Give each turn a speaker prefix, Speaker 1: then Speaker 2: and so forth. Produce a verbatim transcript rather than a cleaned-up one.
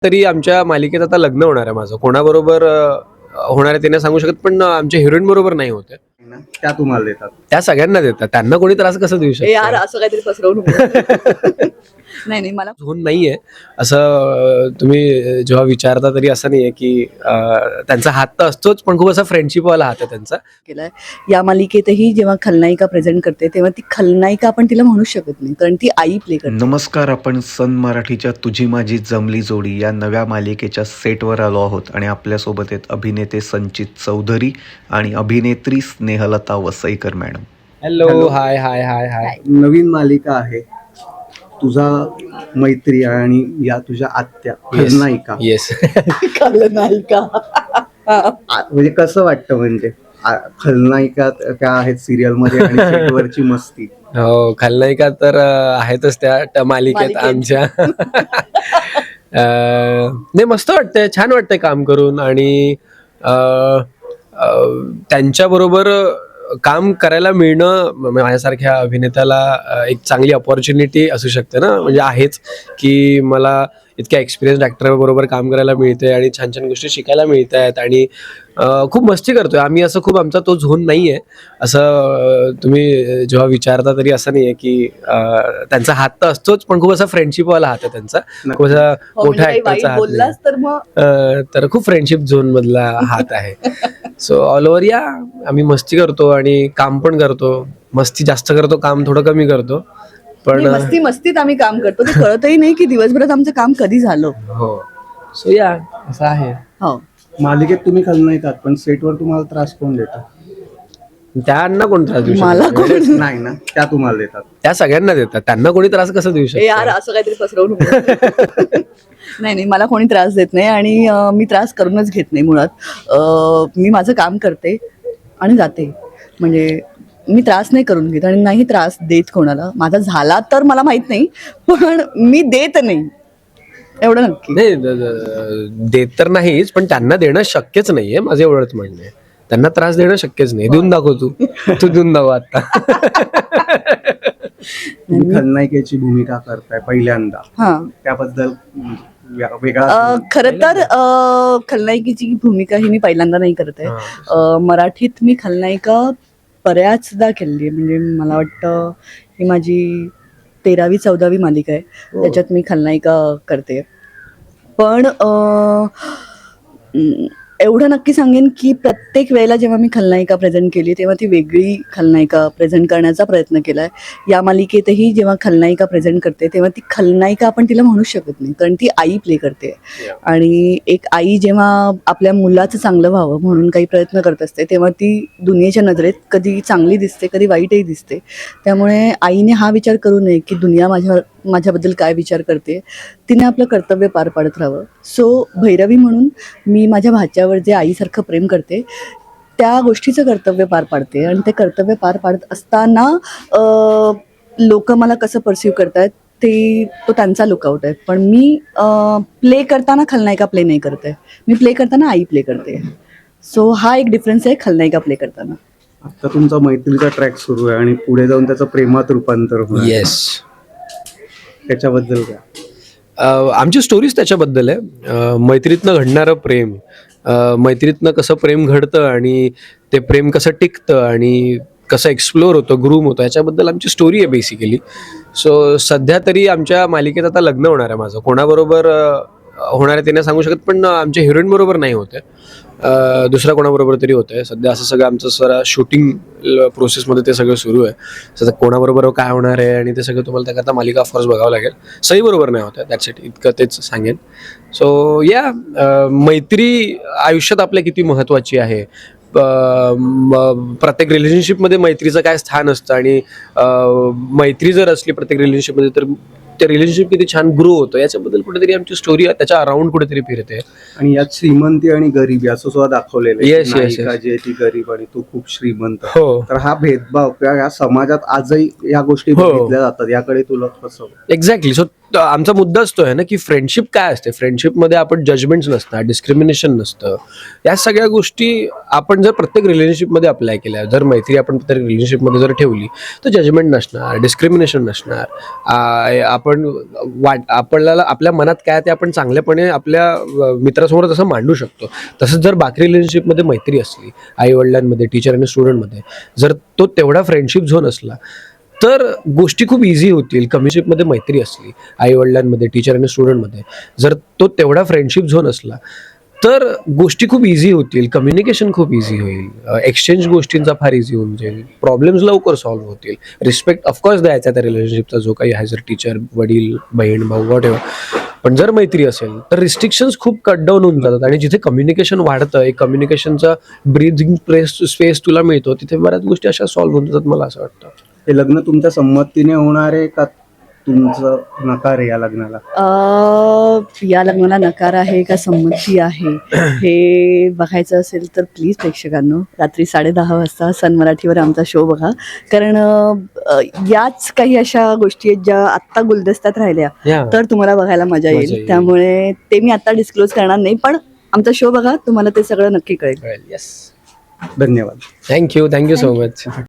Speaker 1: तरी आमच्या मालिकेत आता लग्न होणार आहे माझं. कोणाबरोबर अ, होणार आहे ते नाही सांगू शकत, पण आमच्या हिरोईन बरोबर नाही होत आहे.
Speaker 2: त्या तुम्हाला देतात.
Speaker 1: त्या सगळ्यांना देतात. त्यांना कोणी त्रास कसं देऊ
Speaker 3: ए यार
Speaker 1: शकतो?
Speaker 3: असं काहीतरी पसरवू नको. नाही नाही मला
Speaker 1: होऊन नाहीये असं. अ, तुम्ही जेव्हा विचारता तरी असं नाहीये की अ, त्यांचा हात तर असतोच, पण खूप असा फ्रेंडशिप वाला हात आहे त्यांचा.
Speaker 3: केलाय या मालिकेतही जेव्हा खलनायिका प्रेझेंट करते तेव्हा ती खलनायिका आपण तिला म्हणू शकत नाही, कारण ती आई प्ले करते.
Speaker 4: नमस्कार, आपण सन मराठीच्या तुझी माझी जमली जोडी या नव्या मालिकेच्या सेटवर आलो आहोत आणि आपल्यासोबत आहेत अभिनेते संचित चौधरी आणि अभिनेत्री Snehlata Vasaikar madam.
Speaker 1: Hello, hi hi hi hi.
Speaker 2: नवीन मालिका आहे, तुझा मैत्री आणि या तुझ्या आत्या खलनायिका.
Speaker 1: येस.
Speaker 3: खलनायिका
Speaker 2: आ- म्हणजे कसं वाटतं, म्हणजे आ- खलनायिका त्या आहेत सिरियल मध्ये आणि सेटवरची मस्ती.
Speaker 1: हो, खलनायिका तर अ, आहेतच त्या त्या मालिकेत
Speaker 3: मालिकेत.
Speaker 1: आमच्या. अ, नाही, मस्त वाटतंय, छान वाटतंय काम करून. आणि अ, अ, त्यांच्याबरोबर काम करायला मिळणं म- माझ्यासारख्या अभिनेत्याला अ, एक चांगली अपॉर्च्युनिटी असू शकते ना. म्हणजे आहेच की मला इतक्या एक्सपिरियन्स ॲक्टर बरोबर काम करायला मिळते आणि छान छान गोष्टी शिकायला मिळत आहेत. आणि अ, खूप मस्ती करतोय आम्ही. असं खूप आमचा तो झोन नाही आहे असं. अ, तुम्ही जेव्हा विचारता तरी असं नाही आहे की अ, त्यांचा हात तर असतोच, पण खूप असा फ्रेंडशिपवाला हात आहे त्यांचा. खूप असा
Speaker 3: हो, म्हणजे
Speaker 1: मोठा
Speaker 3: काही वाईट
Speaker 1: ॲक्टरचा हात नाही.
Speaker 3: बोललास तर मग
Speaker 1: अ, तर खूप फ्रेंडशिप झोन मधला हात आहे. सो ऑल ओव्हर या आम्ही मस्ती करतो आणि काम पण करतो. मस्ती जास्त करतो, काम थोडं कमी करतो. पण
Speaker 3: नाही, मस्ती मस्तीत आम्ही काम करतो. ते कळतही नाही की दिवसभरात आमचं काम कधी झालं.
Speaker 1: हो, सो या असं आहे.
Speaker 3: हो
Speaker 2: मालिकेत तुम्ही खलनायिका, पण सेटवर तुम्हाला त्रास कोण देतात?
Speaker 1: त्यांना कोण त्रास देऊ
Speaker 3: मला
Speaker 1: शकतो?
Speaker 3: कोण
Speaker 2: नाही ना, त्या तुम्हाला देतात.
Speaker 1: त्या सगळ्यांना देतात. त्यांना कोणी त्रास कसं देऊ
Speaker 3: ए यार
Speaker 1: शकतो?
Speaker 3: असं काहीतरी पसरवू नको. नाही नाही मला कोणी त्रास देत नाही आणि अं, मी त्रास करूनच घेत नाही मुळात. अं, मी माझं काम करते आणि जाते. म्हणजे मी त्रास नाही करून घेत आणि नाही त्रास देत कोणाला. माझा झाला तर मला माहित नाही, पण मी देत नाही, एवढं नक्की.
Speaker 1: नाही, द- द- देत तर नाहीच, पण त्यांना देणं शक्यच नाहीये. माझं एवढंच म्हणणं आहे. त्यांना त्रास देणं शक्यच नाही. देऊन दाखव तू. तू देऊन दाखव आता.
Speaker 2: तुम्ही खलनायिकेची भूमिका करताय पहिल्यांदा,
Speaker 3: हा
Speaker 2: त्याबद्दल अं, व्या- वेगळा
Speaker 3: अ, खरं तर अ, खलनायिकेची भूमिका ही मी पहिल्यांदा नाही करत आहे. अ, मराठीत मी खलनायिका बऱ्याचदा केली आहे. म्हणजे मला वाटतं ही माझी तेरावी चौदावी मालिका आहे, त्याच्यात मी खलनायिका करते. पण अ, अं, एवढं नक्की सांगेन की प्रत्येक वेळेला जेव्हा मी खलनायिका प्रेझेंट केली तेव्हा ती वेगळी खलनायिका प्रेझेंट करण्याचा प्रयत्न केला आहे. या मालिकेतही जेव्हा खलनायिका प्रेझेंट करते तेव्हा ती खलनायिका आपण तिला म्हणू शकत नाही, कारण ती आई प्ले करते. आणि एक आई जेव्हा आपल्या मुलाचं चांगलं व्हावं म्हणून काही प्रयत्न करत असते तेव्हा ती दुनियेच्या नजरेत कधी चांगली दिसते, कधी वाईटही दिसते. त्यामुळे आईने हा विचार करू नये की दुनिया माझ्या माझ्याबद्दल काय विचार करते. तिने आपलं कर्तव्य पार पाडत राहावं. सो भैरवी म्हणून मी माझ्या भाच्यावर जे आईसारखं प्रेम करते त्या गोष्टीचं कर्तव्य पार पाडते. आणि ते कर्तव्य पार पाडत असताना लोक मला कसं परसिव्ह करतायत ते तो त्यांचा लुकआउट आहे. पण मी प्ले करताना खलनायिका प्ले नाही करते, मी प्ले करताना आई प्ले करते. सो हा एक डिफरन्स आहे खलनायिका प्ले करताना.
Speaker 2: आता तुमचा मैत्रीचा ट्रॅक सुरू आहे आणि पुढे जाऊन त्याचं प्रेमात रूपांतर होणार.
Speaker 1: येस.
Speaker 2: त्याच्याबद्दल काय?
Speaker 1: अ, आमची स्टोरीज त्याच्याबद्दल आहे. अ, मैत्रीतनं घडणारं प्रेम, अ, मैत्रीतनं कसं प्रेम घडतं आणि ते प्रेम कसं टिकतं आणि कसं एक्सप्लोअर होतं, ग्रूम होतं, याच्याबद्दल आमची स्टोरी आहे बेसिकली. सो सध्या तरी आमच्या मालिकेत आता लग्न होणार आहे माझं. कोणाबरोबर अ, होणार आहे ते नाही सांगू शकत, पण आमच्या हिरोईन बरोबर नाही होत आहे. अ, दुसऱ्या कोणाबरोबर तरी होतं आहे सध्या. असं सगळं आमचं सर शूटिंग प्रोसेसमध्ये ते सगळं सुरू आहे. सध्या कोणाबरोबर काय होणार आहे आणि ते सगळं तुम्हाला त्याकरता मालिका ऑफकोर्स बघावं लागेल. सई बरोबर नाही होत आहे, दॅट्स इट, इतकं तेच सांगेन. सो या मैत्री आयुष्यात आपल्या किती महत्त्वाची आहे. अ, म- प्रत्येक रिलेशनशिपमध्ये मैत्रीचं काय स्थान असतं आणि अ, मैत्री जर असली प्रत्येक रिलेशनशिपमध्ये तर ते रिलेशनशिप किती छान ग्रो होतं, याच्याबद्दल कुठेतरी आमची स्टोरी त्याच्या अराउंड कुठेतरी फिरते.
Speaker 2: आणि यात श्रीमंती आणि गरिबी असं सुद्धा दाखवलेलं आहे.
Speaker 1: Yes, yes,
Speaker 2: नायिका
Speaker 1: yes.
Speaker 2: जी आहे ती गरीब आणि तू खूप श्रीमंत.
Speaker 1: हो,
Speaker 2: तर हा भेदभाव किंवा या समाजात आजही या गोष्टी
Speaker 1: हो.
Speaker 2: बघितल्या जातात, याकडे तुला कसं?
Speaker 1: एक्झॅक्टली. सो त- आमचा मुद्दाच तो आहे ना की फ्रेंडशिप काय असते. फ्रेंडशिपमध्ये आपण जजमेंट्स नसतात, डिस्क्रिमिनेशन नसतं. या सगळ्या गोष्टी आपण जर प्रत्येक रिलेशनशिपमध्ये अप्लाय केल्या, जर मैत्री आपण प्रत्येक रिलेशनशिपमध्ये जर ठेवली तर जजमेंट नसणार, डिस्क्रिमिनेशन नसणार. आ- आपण वाट आपल्याला आपल्या मनात काय ते आपण चांगल्यापणे आपल्या अ, मित्रासमोर तसं मांडू शकतो. तसंच जर बाकी रिलेशनशिपमध्ये मैत्री असली, आई वडिलांमध्ये, टीचर आणि स्टुडंटमध्ये, जर तो तेवढा फ्रेंडशिप झोन असला तर गोष्टी खूप इझी होतील. कम्युनिशिपमध्ये मैत्री असली, आई वडिलांमध्ये, टीचर आणि स्टुडंटमध्ये, जर तो तेवढा फ्रेंडशिप झोन असला तर गोष्टी खूप इझी होतील. कम्युनिकेशन खूप इझी होईल. एक्सचेंज गोष्टींचा फार इझी होऊन जाईल. प्रॉब्लेम्स लवकर सॉल्व्ह होतील. रिस्पेक्ट ऑफकोर्स द्यायचा त्या रिलेशनशिपचा जो काही आहे, जर टीचर, वडील, बहीण, भाऊ, वॉट एव्हर. पण जर मैत्री असेल तर रिस्ट्रिक्शन्स खूप कट डाऊन होऊन जातात आणि जिथे कम्युनिकेशन वाढतं, एक कम्युनिकेशनचा ब्रीथिंग प्लेस स्पेस तुला मिळतो, तिथे बऱ्याच गोष्टी अशा सॉल्व्ह होऊन जातात, मला असं वाटतं.
Speaker 2: हे लग्न तुमच्या संमतीने होणार आहे का तुमचं नकार आहे या लग्नाला?
Speaker 3: अ, या लग्नाला नकार आहे का संमती आहे हे बघायचं असेल तर प्लीज प्रेक्षकांनो रात्री साडे दहा वाजता सन मराठीवर आमचा शो बघा. कारण अ, याच काही अशा गोष्टी आहेत ज्या आत्ता गुलदस्त्यात राहिल्या
Speaker 1: Yeah.
Speaker 3: तर तुम्हाला बघायला मजा
Speaker 1: मजा
Speaker 3: येईल.
Speaker 1: येईल.
Speaker 3: त्यामुळे ते मी आता डिस्क्लोज करणार नाही, पण आमचा शो बघा, तुम्हाला ते सगळं नक्की कळेल.
Speaker 1: येस.
Speaker 2: धन्यवाद.
Speaker 1: Thank you thank you so much.